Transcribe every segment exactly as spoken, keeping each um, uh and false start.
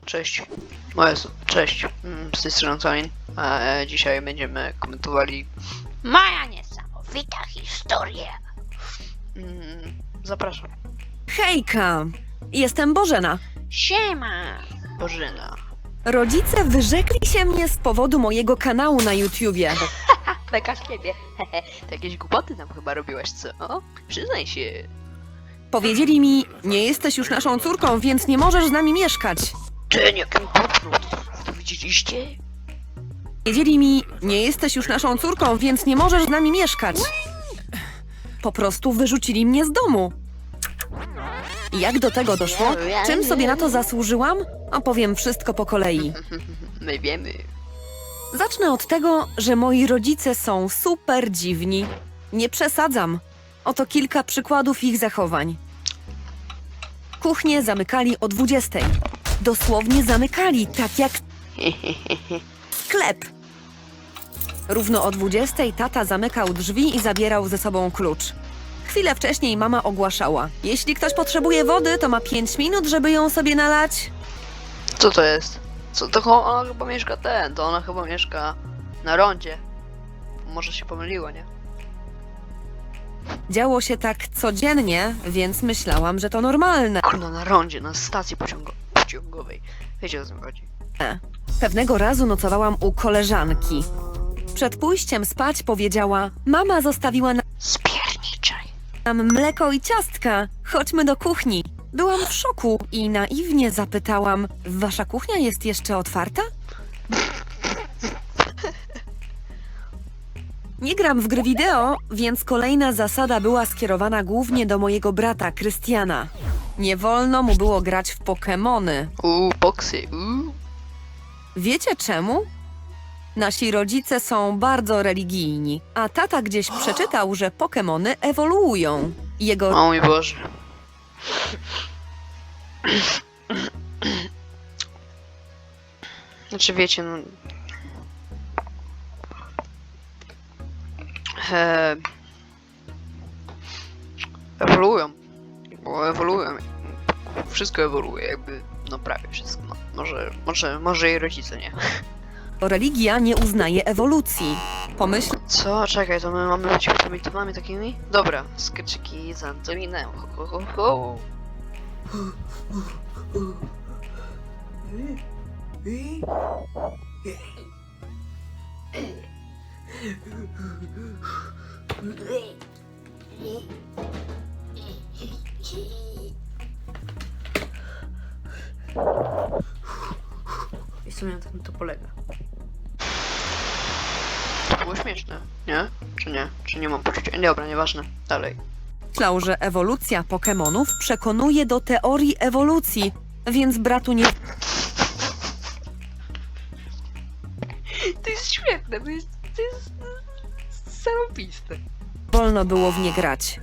Cześć. O Jezu, cześć. Mm, Z tej strony Colin. A e, dzisiaj będziemy komentowali Moja niesamowita historia. Mm, zapraszam. Hejka! Jestem Bożena. Siema. Bożyna. Rodzice wyrzekli się mnie z powodu mojego kanału na YouTubie. Beka z ciebie. To jakieś głupoty nam chyba robiłaś, co? Przyznaj się. Powiedzieli mi, nie jesteś już naszą córką, więc nie możesz z nami mieszkać. Ten jaki poprót. To widzieliście? Powiedzieli mi, nie jesteś już naszą córką, więc nie możesz z nami mieszkać. Po prostu wyrzucili mnie z domu. Jak do tego doszło? Czym sobie na to zasłużyłam? Opowiem wszystko po kolei. My wiemy. Zacznę od tego, że moi rodzice są super dziwni. Nie przesadzam. Oto kilka przykładów ich zachowań. Kuchnię zamykali o dwudziestej. Dosłownie zamykali, tak jak sklep. Równo o dwudziestej tata zamykał drzwi i zabierał ze sobą klucz. Chwilę wcześniej mama ogłaszała: jeśli ktoś potrzebuje wody, to ma pięć minut, żeby ją sobie nalać. Co to jest? Co to cho- ona chyba mieszka ten, to ona chyba mieszka na rondzie. Może się pomyliło, nie? Działo się tak codziennie, więc myślałam, że to normalne. Kurna, na rondzie, na stacji pociągo- pociągowej. Wiecie, o co mi chodzi. Pewnego razu nocowałam u koleżanki. Przed pójściem spać powiedziała: mama zostawiła Spierniczaj. nam mleko i ciastka, chodźmy do kuchni. Byłam w szoku i naiwnie zapytałam: wasza kuchnia jest jeszcze otwarta? Nie gram w gry wideo, więc kolejna zasada była skierowana głównie do mojego brata, Krystiana. Nie wolno mu było grać w Pokemony. Uuu, boksy, uuu. Wiecie czemu? Nasi rodzice są bardzo religijni, a tata gdzieś przeczytał, że Pokemony ewoluują. Jego O mój Boże. Znaczy wiecie, no... E... Ewoluują. Bo ewoluują. Wszystko ewoluuje, jakby, no prawie wszystko. No, może, może, może i rodzice, nie? religia nie uznaje ewolucji. Pomyśl, Co? Czekaj, to my mamy być prymitywami takimi? Dobra, skeczyki z Antoninem. Ho, ho, ho, ho. I w sumie na tym to polega. To było śmieszne, nie? Czy nie? Czy nie mam poczucia? Dobra, nieważne. Dalej. myślał, że ewolucja Pokemonów przekonuje do teorii ewolucji, więc bratu nie To jest świetne, to jest... To jest... zarobiste. wolno było w nie grać.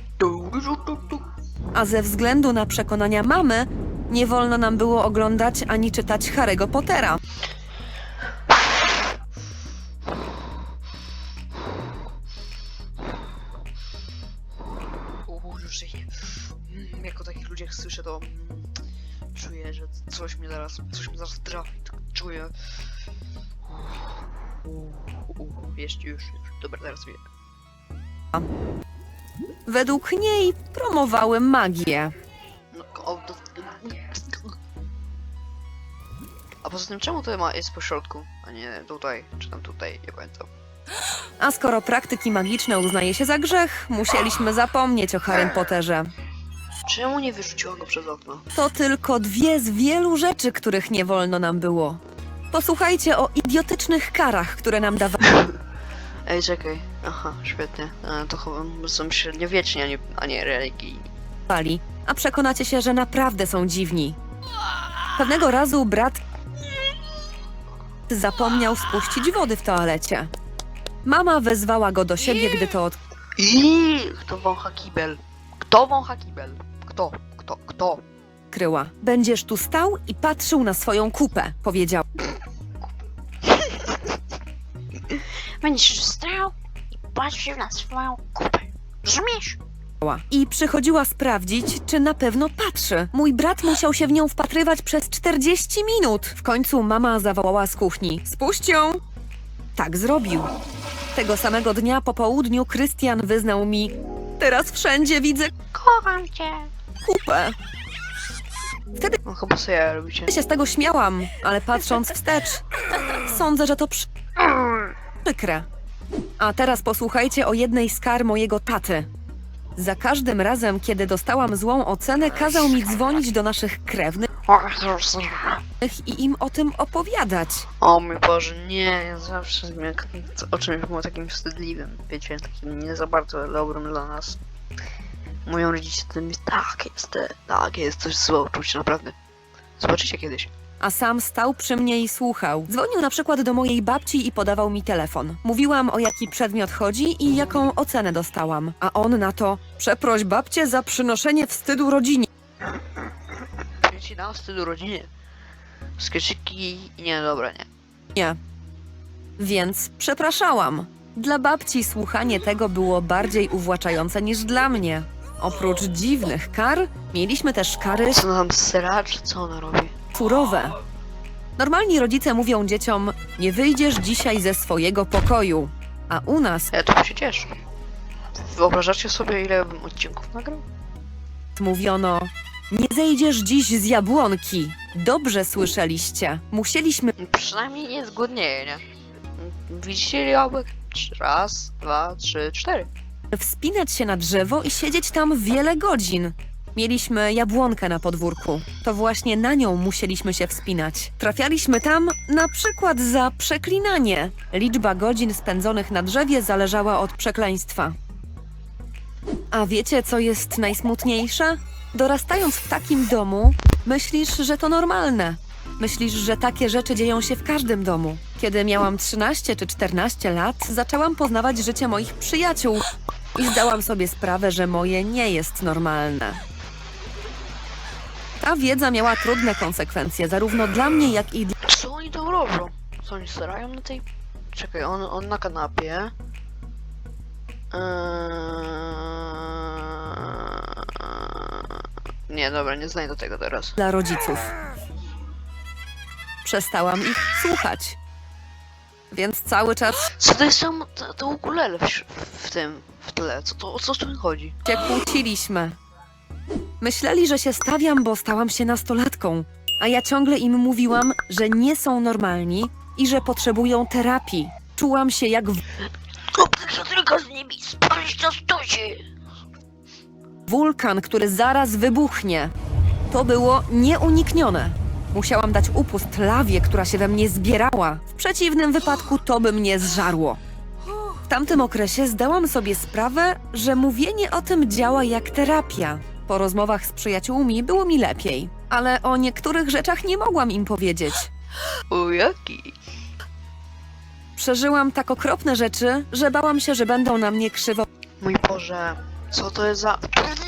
A ze względu na przekonania mamy, nie wolno nam było oglądać ani czytać Harry'ego Pottera. Uuu, już się... Mm, jak o takich ludziach słyszę, to... Mm, czuję, że coś mnie zaraz... Coś mnie zaraz trafi, tak czuję... Uuu, uuu, jest już, już. Dobra, teraz wiem. Według niej promowały magię. No, o, to... A poza tym, czemu to ma jest po środku, a nie tutaj, czy tam tutaj, nie pamiętam. A skoro praktyki magiczne uznaje się za grzech, musieliśmy zapomnieć o Harrym Potterze. Czemu nie wyrzuciła go przez okno? To tylko dwie z wielu rzeczy, których nie wolno nam było. Posłuchajcie o idiotycznych karach, które nam Ej, czekaj. Aha, świetnie. E, to chyba są średniowieczni, a nie, a nie religijni. dawali, a przekonacie się, że naprawdę są dziwni. Pewnego razu brat zapomniał spuścić wody w toalecie. Mama wezwała go do siebie, gdy to od... I kto wącha kibel? Kto wącha kibel? Kto? Kto? Kto? odkryła. Będziesz tu stał i patrzył na swoją kupę, powiedział. Będziesz stał i patrzył na swoją kupę. Rozumiesz? i przychodziła sprawdzić, czy na pewno patrzy. Mój brat musiał się w nią wpatrywać przez czterdzieści minut. W końcu mama zawołała z kuchni. Spuść ją! Tak zrobił. Tego samego dnia po południu Krystian wyznał mi: teraz wszędzie widzę Kocham cię. kupę. Wtedy No chyba sobie ja robicie. się z tego śmiałam, ale patrząc wstecz, sądzę, że to przy- przykre. A teraz posłuchajcie o jednej z kar mojego taty. Za każdym razem, kiedy dostałam złą ocenę, kazał mi dzwonić do naszych krewnych i im o tym opowiadać. O mój Boże, nie, ja zawsze jak o czymś było takim wstydliwym, wiecie, takim nie za bardzo dobrym dla nas. Mówią rodzice, to mi tak jest, tak jest, coś złe uczucie, naprawdę. Zobaczycie kiedyś. A sam stał przy mnie i słuchał. Dzwonił na przykład do mojej babci i podawał mi telefon. Mówiłam, o jaki przedmiot chodzi i jaką ocenę dostałam. A on na to: przeproś babcię za przynoszenie wstydu rodzinie. Ci na wstydu rodzinie. Skeczyki, nie, dobra, nie. Nie. Więc przepraszałam. Dla babci słuchanie tego było bardziej uwłaczające niż dla mnie. Oprócz dziwnych kar, mieliśmy też kary Co nam sera, czy co ona robi? surowe. Normalni rodzice mówią dzieciom: nie wyjdziesz dzisiaj ze swojego pokoju. A u nas Ja tu się cieszę. Wyobrażacie sobie, ile bym odcinków nagrał? mówiono: nie zejdziesz dziś z jabłonki. Dobrze słyszeliście. Musieliśmy Przynajmniej nie zgłodnieje, nie? Widzicie jabłek? Raz, dwa, trzy, cztery. wspinać się na drzewo i siedzieć tam wiele godzin. Mieliśmy jabłonkę na podwórku. To właśnie na nią musieliśmy się wspinać. Trafialiśmy tam na przykład za przeklinanie. Liczba godzin spędzonych na drzewie zależała od przekleństwa. A wiecie, co jest najsmutniejsze? Dorastając w takim domu, myślisz, że to normalne. Myślisz, że takie rzeczy dzieją się w każdym domu. Kiedy miałam trzynaście czy czternaście lat, zaczęłam poznawać życie moich przyjaciół i zdałam sobie sprawę, że moje nie jest normalne. Ta wiedza miała trudne konsekwencje, zarówno dla mnie, jak i dla... Co oni tam robią? Co oni starają na tej... Czekaj, on, on na kanapie. Eee... Nie, dobra, nie znajdę tego teraz. dla rodziców. Przestałam ich słuchać. Więc cały czas Co to jest tam, to, to ukulele w, w tym, w tle? Co to, o co tu chodzi? się kłóciliśmy. Myśleli, że się stawiam, bo stałam się nastolatką, a ja ciągle im mówiłam, że nie są normalni i że potrzebują terapii. Czułam się jak w- Kupcy tylko z nimi spalić to stuzi. wulkan, który zaraz wybuchnie. To było nieuniknione. Musiałam dać upust lawie, która się we mnie zbierała. W przeciwnym wypadku to by mnie zżarło. W tamtym okresie zdałam sobie sprawę, że mówienie o tym działa jak terapia. Po rozmowach z przyjaciółmi było mi lepiej, ale o niektórych rzeczach nie mogłam im powiedzieć. O jaki? Przeżyłam tak okropne rzeczy, że bałam się, że będą na mnie krzywo Mój Boże, co to jest za...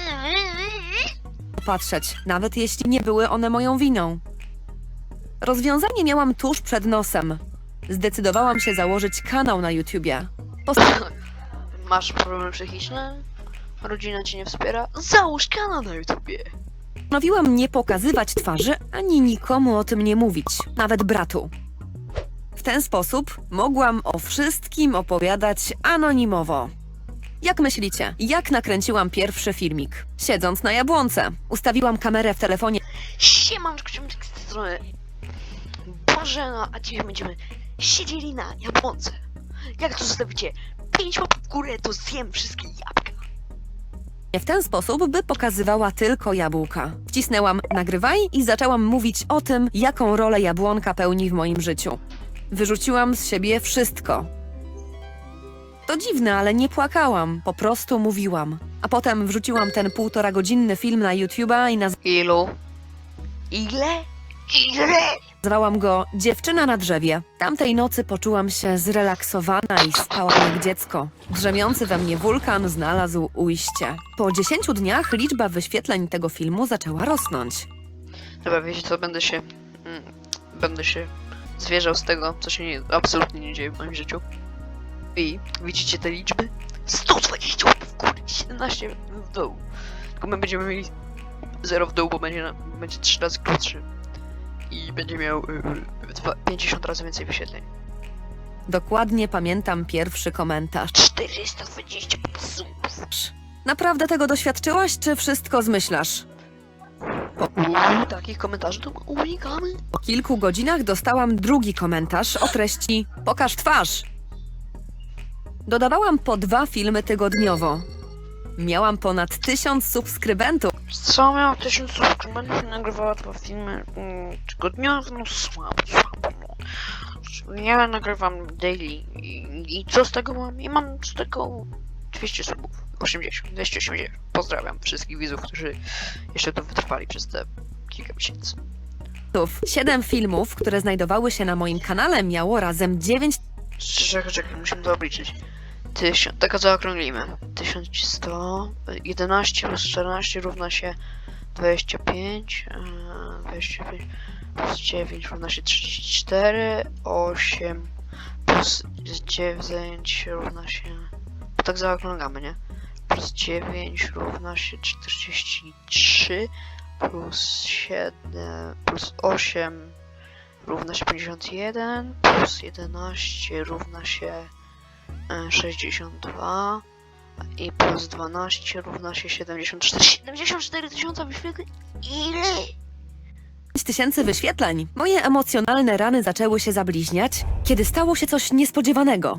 patrzeć, nawet jeśli nie były one moją winą. Rozwiązanie miałam tuż przed nosem. Zdecydowałam się założyć kanał na YouTubie. Masz problemy psychiczne? Rodzina cię nie wspiera? Załóż kanał na YouTubie. Postanowiłam nie pokazywać twarzy, ani nikomu o tym nie mówić, nawet bratu. W ten sposób mogłam o wszystkim opowiadać anonimowo. Jak myślicie, jak nakręciłam pierwszy filmik? Siedząc na jabłonce, ustawiłam kamerę w telefonie Siemanczko, czym z tej strony? Bożena, a dzisiaj będziemy siedzieli na jabłonce. Jak to zostawicie pięć łapek w górę, to zjem wszystkie jabłka. w ten sposób, by pokazywała tylko jabłka. Wcisnęłam nagrywaj i zaczęłam mówić o tym, jaką rolę jabłonka pełni w moim życiu. Wyrzuciłam z siebie wszystko. To dziwne, ale nie płakałam, po prostu mówiłam. A potem wrzuciłam ten półtora godzinny film na YouTube'a i Ilu? Ile? Ile? nazwałam go Dziewczyna na drzewie. Tamtej nocy poczułam się zrelaksowana i spałam jak dziecko. Drzemiący we mnie wulkan znalazł ujście. Po dziesięciu dniach liczba wyświetleń tego filmu zaczęła rosnąć. Dobra, wiecie co, będę się... Mm, będę się zwierzał z tego, co się nie, absolutnie nie dzieje w moim życiu. I widzicie te liczby? sto dwadzieścia łapek w górę. siedemnaście w dół. Tylko my będziemy mieli zero w dół, bo będzie, na, będzie trzy razy krótszy. I będzie miał y, dwa, pięćdziesiąt razy więcej wyświetleń. Dokładnie pamiętam pierwszy komentarz. czterysta dwadzieścia subów. Naprawdę tego doświadczyłaś, czy wszystko zmyślasz? Uuu, takich komentarzy to unikamy. Po kilku godzinach dostałam drugi komentarz o treści „Pokaż twarz”. Dodawałam po dwa filmy tygodniowo. Miałam ponad tysiąc subskrybentów. Co miał tysiąc subskrybentów i nagrywała dwa filmy mm, tygodniowo? No słabo, słabo. No. Ja nagrywam daily i, i co z tego mam? I mam z tego dwieście subów. osiemdziesiąt, dwieście osiemdziesiąt. Pozdrawiam wszystkich widzów, którzy jeszcze to wytrwali przez te kilka miesięcy. Siedem filmów, które znajdowały się na moim kanale, miało razem dziewięć Czekaj, czekaj, musimy to obliczyć. Tysiąc, taka zaokrąglimy. tysiąc sto, jedenaście plus czternaście równa się dwadzieścia pięć, yy, dwadzieścia pięć plus dziewięć równa się trzydzieści cztery, osiem plus dziewięć równa się... Bo tak zaokrągamy, nie? Plus dziewięć równa się czterdzieści trzy, plus siedem, plus osiem równa się pięćdziesiąt jeden, plus jedenaście równa się e, sześćdziesiąt dwa i plus dwanaście równa się siedemdziesiąt cztery. siedemdziesiąt cztery tysiące wyświetleń? Ile? tysięcy wyświetleń. Moje emocjonalne rany zaczęły się zabliźniać, kiedy stało się coś niespodziewanego.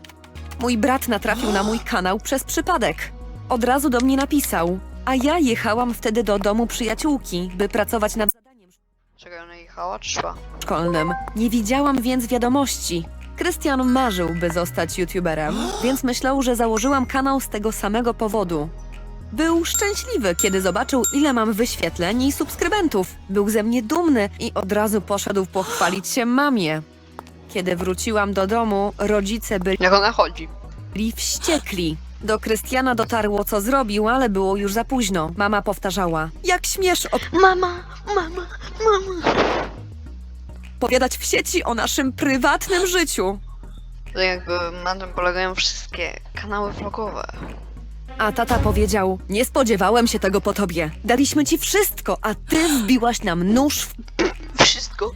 Mój brat natrafił na mój kanał przez przypadek. Od razu do mnie napisał, a ja jechałam wtedy do domu przyjaciółki, by pracować nad zadaniem Czekaj, ona jechała czy szła? szkolnym. Nie widziałam więc wiadomości. Krystian marzył, by zostać youtuberem, więc myślał, że założyłam kanał z tego samego powodu. Był szczęśliwy, kiedy zobaczył, ile mam wyświetleń i subskrybentów. Był ze mnie dumny i od razu poszedł pochwalić się mamie. Kiedy wróciłam do domu, rodzice byli Jak ona chodzi? wściekli. Do Krystiana dotarło, co zrobił, ale było już za późno. Mama powtarzała, jak śmiesz Mama, mama, mama. opowiadać w sieci o naszym prywatnym życiu. To jakby na tym polegają wszystkie kanały vlogowe. A tata powiedział, nie spodziewałem się tego po tobie. Daliśmy ci wszystko, a ty wbiłaś nam nóż w Wszystko.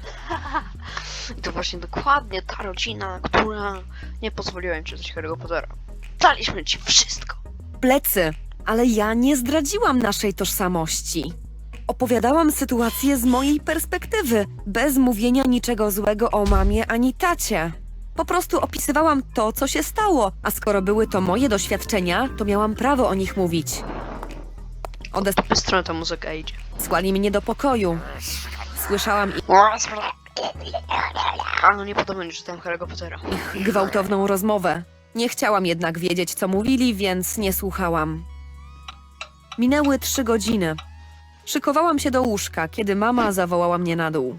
I to właśnie dokładnie ta rodzina, która nie pozwoliła im czytać Harry'ego Pottera. Daliśmy ci wszystko. plecy. Ale ja nie zdradziłam naszej tożsamości. Opowiadałam sytuację z mojej perspektywy, bez mówienia niczego złego o mamie ani tacie. Po prostu opisywałam to, co się stało, a skoro były to moje doświadczenia, to miałam prawo o nich mówić. W stronę ta muzyka idzie. Odesłali mnie do pokoju. Słyszałam A no nie podoba mi się, że czytałem Harry'ego Pottera. ich gwałtowną rozmowę. Nie chciałam jednak wiedzieć, co mówili, więc nie słuchałam. Minęły trzy godziny. Szykowałam się do łóżka, kiedy mama zawołała mnie na dół.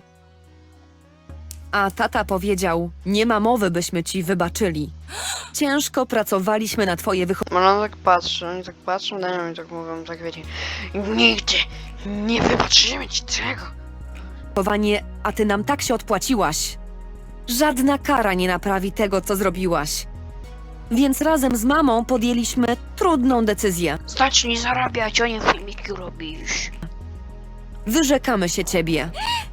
A tata powiedział, nie ma mowy, byśmy ci wybaczyli. Ciężko pracowaliśmy na twoje No ona tak patrzy, oni tak patrzą na nią i tak mówią, tak wiecie. Nigdy nie wybaczymy ci tego. wychowanie, a ty nam tak się odpłaciłaś. Żadna kara nie naprawi tego, co zrobiłaś. Więc razem z mamą podjęliśmy trudną decyzję. Zacznij zarabiać, a nie filmiki robisz. Wyrzekamy się ciebie.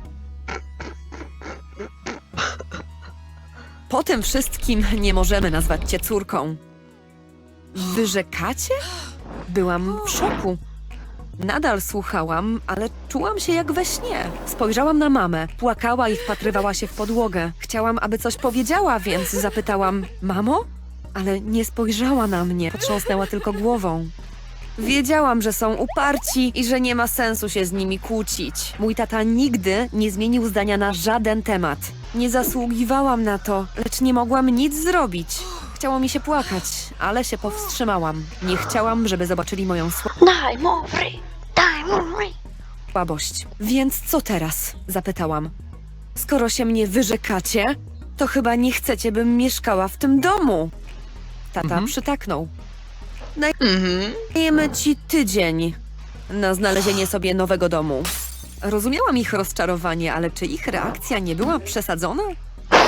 Po tym wszystkim nie możemy nazwać cię córką. Wyrzekacie? Byłam w szoku. Nadal słuchałam, ale czułam się jak we śnie. Spojrzałam na mamę, płakała i wpatrywała się w podłogę. Chciałam, aby coś powiedziała, więc zapytałam, mamo? Ale nie spojrzała na mnie, potrząsnęła tylko głową. Wiedziałam, że są uparci i że nie ma sensu się z nimi kłócić. Mój tata nigdy nie zmienił zdania na żaden temat. Nie zasługiwałam na to, lecz nie mogłam nic zrobić. Chciało mi się płakać, ale się powstrzymałam. Nie chciałam, żeby zobaczyli moją Daj mu free, daj mu free. słabość. Więc co teraz? Zapytałam. Skoro się mnie wyrzekacie, to chyba nie chcecie, bym mieszkała w tym domu. Tata Mhm. przytaknął. Mhm. Dajemy ci tydzień na znalezienie sobie nowego domu. Rozumiałam ich rozczarowanie, ale czy ich reakcja nie była przesadzona?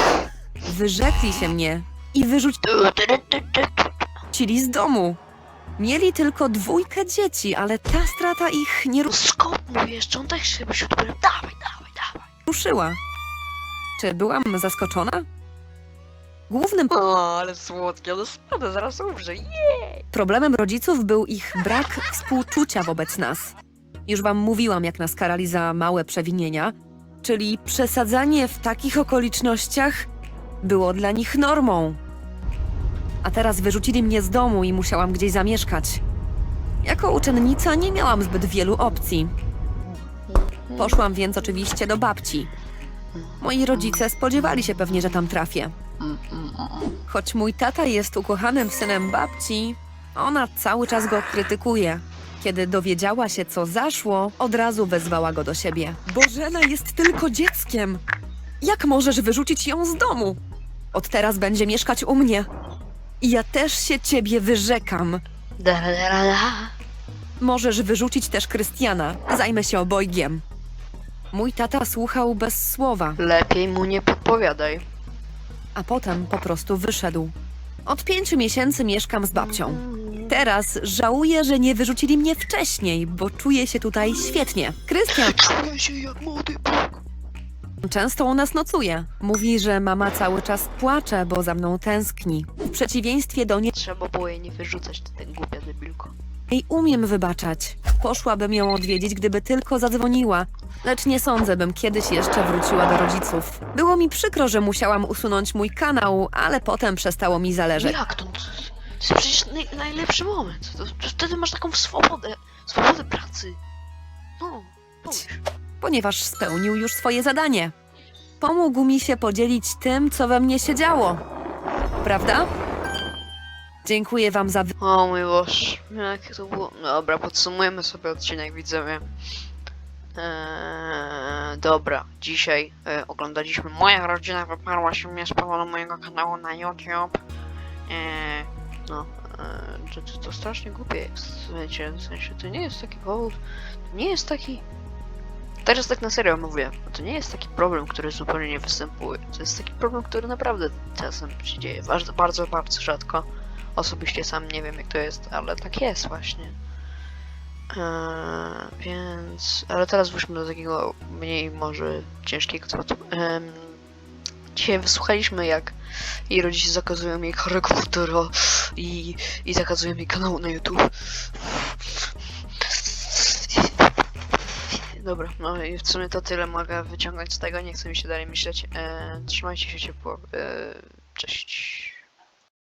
Wyrzekli się mnie i wyrzucili z domu. Mieli tylko dwójkę dzieci, ale ta strata ich nie No skąd mówisz, czy on też chce być youtuberem? Dawaj, dawaj, dawaj. ruszyła. Czy byłam zaskoczona? Głównym O, ale słodkie, no spada, zaraz umrze. problemem rodziców był ich brak współczucia wobec nas. Już wam mówiłam, jak nas karali za małe przewinienia, czyli przesadzanie w takich okolicznościach było dla nich normą. A teraz wyrzucili mnie z domu i musiałam gdzieś zamieszkać. Jako uczennica nie miałam zbyt wielu opcji. Poszłam więc oczywiście do babci. Moi rodzice spodziewali się pewnie, że tam trafię. Choć mój tata jest ukochanym synem babci, ona cały czas go krytykuje. Kiedy dowiedziała się, co zaszło, od razu wezwała go do siebie. Bożena jest tylko dzieckiem. Jak możesz wyrzucić ją z domu? Od teraz będzie mieszkać u mnie. I ja też się ciebie wyrzekam. Da, da, da, da. Możesz wyrzucić też Krystiana. Zajmę się obojgiem. Mój tata słuchał bez słowa, Lepiej mu nie podpowiadaj. a potem po prostu wyszedł. Od pięciu miesięcy mieszkam z babcią. Teraz żałuję, że nie wyrzucili mnie wcześniej, bo czuję się tutaj świetnie. Krystian Czuję się jak młody Bóg. często u nas nocuje. Mówi, że mama cały czas płacze, bo za mną tęskni. W przeciwieństwie do niej Trzeba było jej nie wyrzucać, ty ten głupia debilko. umiem wybaczać. Poszłabym ją odwiedzić, gdyby tylko zadzwoniła. Lecz nie sądzę, bym kiedyś jeszcze wróciła do rodziców. Było mi przykro, że musiałam usunąć mój kanał, ale potem przestało mi zależeć. Jak to? To jest przecież naj, najlepszy moment. To, to wtedy masz taką swobodę. Swobodę pracy. No, pomyśl. Ponieważ spełnił już swoje zadanie. Pomógł mi się podzielić tym, co we mnie się działo. Prawda? Dziękuję wam za... wy- O mój Boże, jak to było. Dobra, podsumujemy sobie odcinek, widzowie. Eee, dobra, dzisiaj e, oglądaliśmy Moja rodzina wyparła się mnie z powodu mojego kanału na YouTube. Eee, no, e, to, to, to strasznie głupie jest, wiecie, w sensie to nie jest taki powód, to nie jest taki... Teraz tak na serio mówię, to nie jest taki problem, który zupełnie nie występuje. To jest taki problem, który naprawdę czasem się dzieje, bardzo, bardzo, bardzo rzadko. Osobiście sam nie wiem jak to jest, ale tak jest właśnie. Eee, więc... Ale teraz wróćmy do takiego mniej może ciężkiego tematu. Eee, dzisiaj wysłuchaliśmy jak jej rodzice zakazują jej choreogratora i, i zakazują jej kanału na YouTube. Dobra, no i w sumie to tyle mogę wyciągnąć z tego, nie chcę mi się dalej myśleć. Eee, trzymajcie się ciepło. Eee, cześć.